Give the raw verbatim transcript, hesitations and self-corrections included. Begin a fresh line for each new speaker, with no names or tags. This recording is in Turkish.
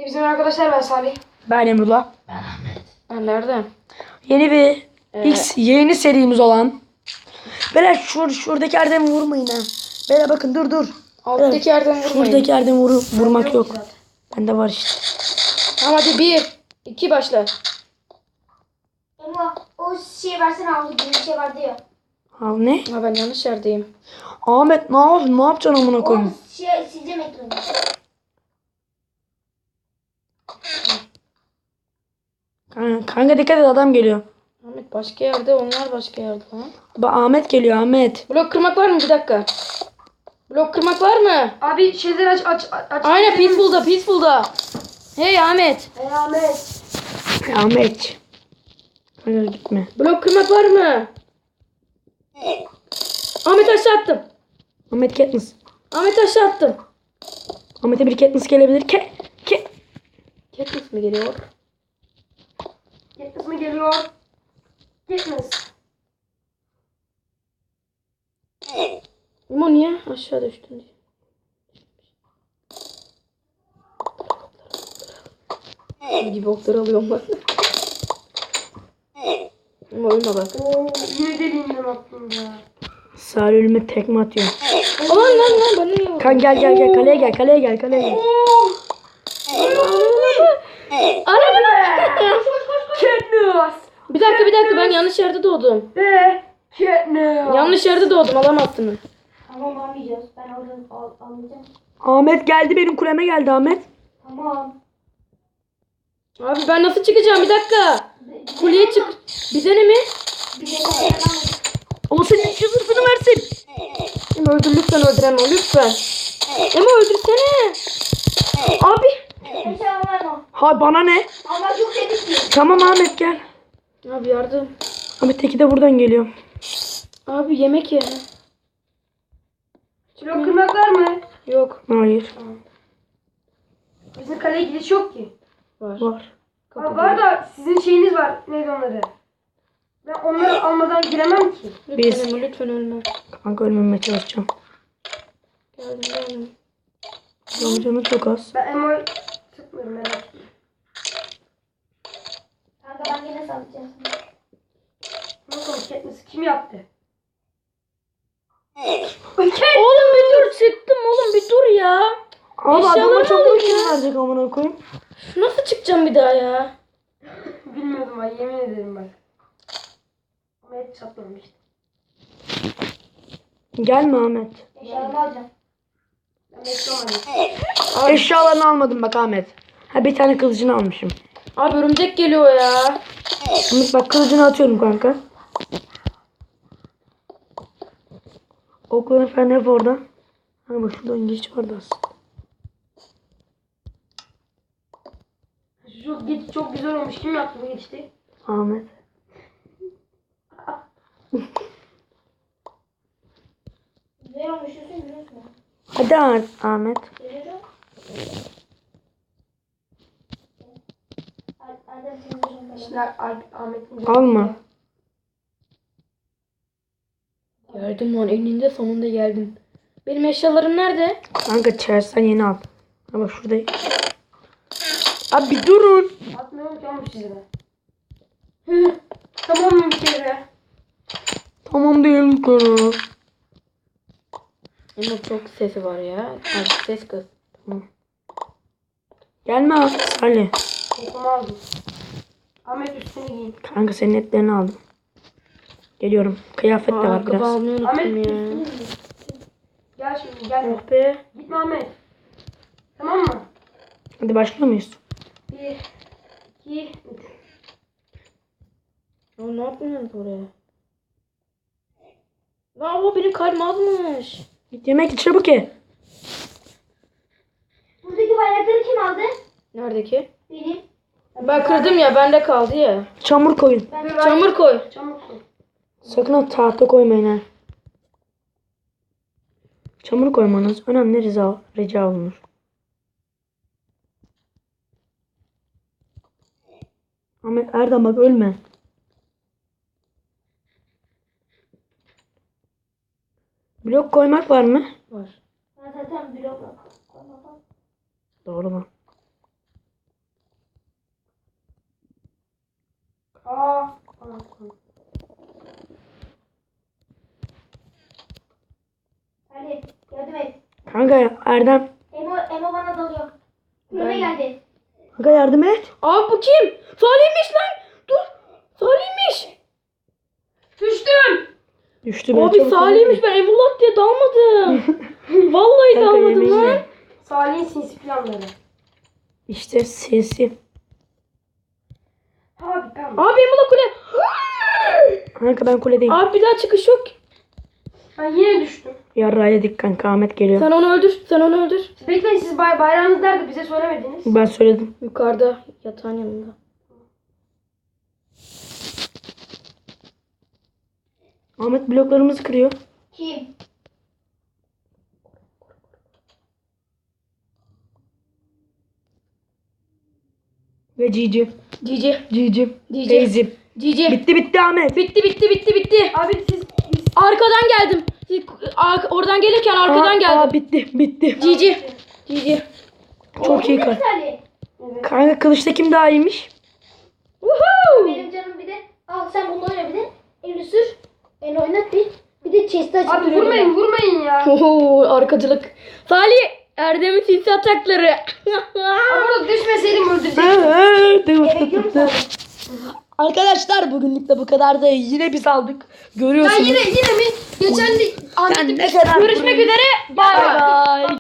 Bizim arkadaşlar ben Salih.
Ben Emrullah.
Ben Ahmet.
Ben nerede?
Yeni bir
Ee,
X yeni serimiz olan. Beyler şur, şuradaki yerden vurmayın ha. Beyler bakın dur dur.
Alttaki yerden vurmayın.
Şuradaki yerden vuru, vurmak
Yok
yok.
zaten.
Bende var işte.
Tamam hadi bir. iki başla.
Ama o şey versene havlu gibi bir şey vardı ya.
Al ne?
Ha ben yanlış yerdeyim.
Ahmet ne yap ne yapacaksın amına
O
koyayım?
şey sileceğim ekranı.
Kanka, kanka dikkat et adam geliyor.
Ahmet başka yerde, onlar başka yerde lan.
Ba Ahmet geliyor Ahmet.
Blok kırmak var mı? Bir dakika. Blok kırmak var mı?
Abi şeyleri aç aç aç.
Aynen Peaceful'da, Peaceful'da. Hey Ahmet.
Ey Ahmet.
Ahmet. Hayır gitme.
Blok kırmak var mı? Ahmet aşağı attım.
Ahmet Katniss.
Ahmet aşağı attım.
Ahmet'e bir Katniss gelebilir. Ke ke.
Katniss mi geliyor?
Gitmez mi geliyor? Gitmez.
Ama niye aşağı düştün diye. Ne gibi okları alıyorum ben. Ama ölme bak.
Oo yine deliğinden attım ya.
Salih ölüme tekme atıyor.
Aman lan lan bana niye
Kan gel gel gel kaleye gel kaleye gel kaleye gel.
Katniss.
Bir dakika bir dakika ben yanlış yerde doğdum.
Be. Katniss.
Yanlış yerde doğdum alamazsınız.
Tamam almayacağız. Ben oradan al, almayacağım.
Ahmet geldi benim kuleme geldi Ahmet.
Tamam.
Abi ben nasıl çıkacağım bir dakika. Kuleye çık. Bize ne mi?
Bir şey yapamadım.
Ama senin şu zırhını versin.
Ama öldür lütfen öldüreme lütfen. Ama öldürsene. Abi.
Bir şey yapamam.
Ha bana ne?
Ama çok dedik ki.
Tamam Ahmet gel.
Abi yardım.
Ahmet teki de buradan geliyor.
Abi yemek ye.
Blok kırmak var mı?
Yok.
Hayır.
Bizim kaleye gidiş yok ki.
Var.
Var.
Kapı
Ha, var da sizin şeyiniz var. Neydi onları? Ben onları almadan giremem ki.
Lütfen
Biz-
Ama, lütfen ölme.
Kanka ölmemeye çalışacağım.
Geldim geldim.
Canım canı çok az.
Ben Emo'yu sıkmıyorum merak etme.
Kanka ben yine sallayacağım.
Nasıl Katniss kim yaptı?
Oğlum bir dur çıktım oğlum bir dur ya.
Abi
Eşyalarını
adama çok
alın
kim
ya.
verecek amına koyayım.
Nasıl çıkacağım bir daha ya?
Bilmiyordum ben yemin ederim bak. Ama hep çatlamıştı.
Gelme Ahmet.
Eşyalarımı alacağım.
Ben beklamadım.
Eşyalarını almadım bak Ahmet. Ha bir tane kılıcını almışım.
Abi örümcek geliyor ya.
Ahmet bak kılıcını atıyorum kanka. Okların falan hep orada. Ha bak şurada geç vardı aslında.
Şu geç çok güzel olmuş. Kim yaptı bu geçti?
Ahmet.
Güzel olmuş diyorsun biliyor musun?
Hadi Ah- Ahmet.
Geliyorum. Adem senin
Şimdi Alp- Ahmet'in
Alma.
Geldim lan eninde sonunda geldim. Benim eşyalarım nerede?
Kanka çersen yeni al. Ha bak şurada. Abi bir durun.
Atmıyorum ki olmuş size de. Hı, tamam mı bir kere?
Tamam değilim konu.
Ama çok sesi var ya. Abi ses kız.
Gelme abi Salih.
Kokumu aldım. Ahmet üstünü giyin.
Kanka senin etlerini aldım. Geliyorum. Kıyafet de var
Ayakkabı
biraz.
almayı
Ahmet
unuttum
üstünü
ya.
giyin. Gel şimdi gel.
Oh be.
Gitme Ahmet. Tamam mı?
Hadi başlıyor muyuz?
Bir, iki, üç.
Ya ne yapıyorsun oraya? Lan o benim kalbim azmış.
Git yemek ye, çabuk ye.
Buradaki bayrakları kim aldı?
Neredeki?
Benim.
Ben kırdım ya bende kaldı ya.
Çamur koyun.
Ben
Çamur koy.
Çabuk koy.
Sakın o tahta koymayın ha. Çamur koymanız önemli rica, rica olunur. Ahmet Erdem bak ölme. Blok koymak var mı?
Var.
Ben zaten blok
Doğru mu? Erdem.
Emo, Emo bana dalıyor. Kulübe geldi.
Kanka yardım et.
Abi bu kim? Salih'miş lan. Dur. Salih'miş.
Düştüm.
Düştü ben.
Abi
çabuk
Salih'miş, ben Emulak diye dalmadım. Vallahi
Kanka,
dalmadım
yemeği
lan.
ye.
Salih'in sinsi planları.
İşte sinsi.
Abi ben.
Abi Emulak kule.
Kanka ben kuledeyim.
Abi bir daha çıkış yok.
Ben yine düştüm.
Yarra yedik kanka, Ahmet geliyor.
Sen onu öldür. Sen onu öldür.
Siz bekleyin, siz bay bayrağınız nerede, bize söylemediniz.
Ben söyledim.
Yukarıda yatağın yanında.
Ahmet bloklarımızı kırıyor.
Kim?
Ve Cici.
Cici.
Cici.
Cici.
Teyzim.
Cici.
Bitti bitti Ahmet.
Bitti bitti bitti bitti.
Abi siz, siz
Arkadan geldim. Ar- oradan gelirken arkadan
Aa,
geldim.
aa, bitti bitti.
Cici. Cici.
Çok iyi
Ne
kar.
Salih?
Kanka kılıçta kim daha iyiymiş?
Woohoo!
Benim canım bir de. Al sen bunu oyna bir de. Elini sür. Elini oynat bir. Bir de chest'i açıp
abi
duruyorum
vurmayın vurmayın ya.
Oho, arkacılık. Salih, Erdem'in sinsi atakları.
Ama orada düşmeseydim öldürecektim.
ben. Bekliyor musun?
Arkadaşlar bugünlük de bu kadar da yine biz aldık.
Ya
Görüyorsunuz.
yine yine mi? Geçen de
Sen ne kadar
Görüşmek üzere. Bay bay.
Bay bay.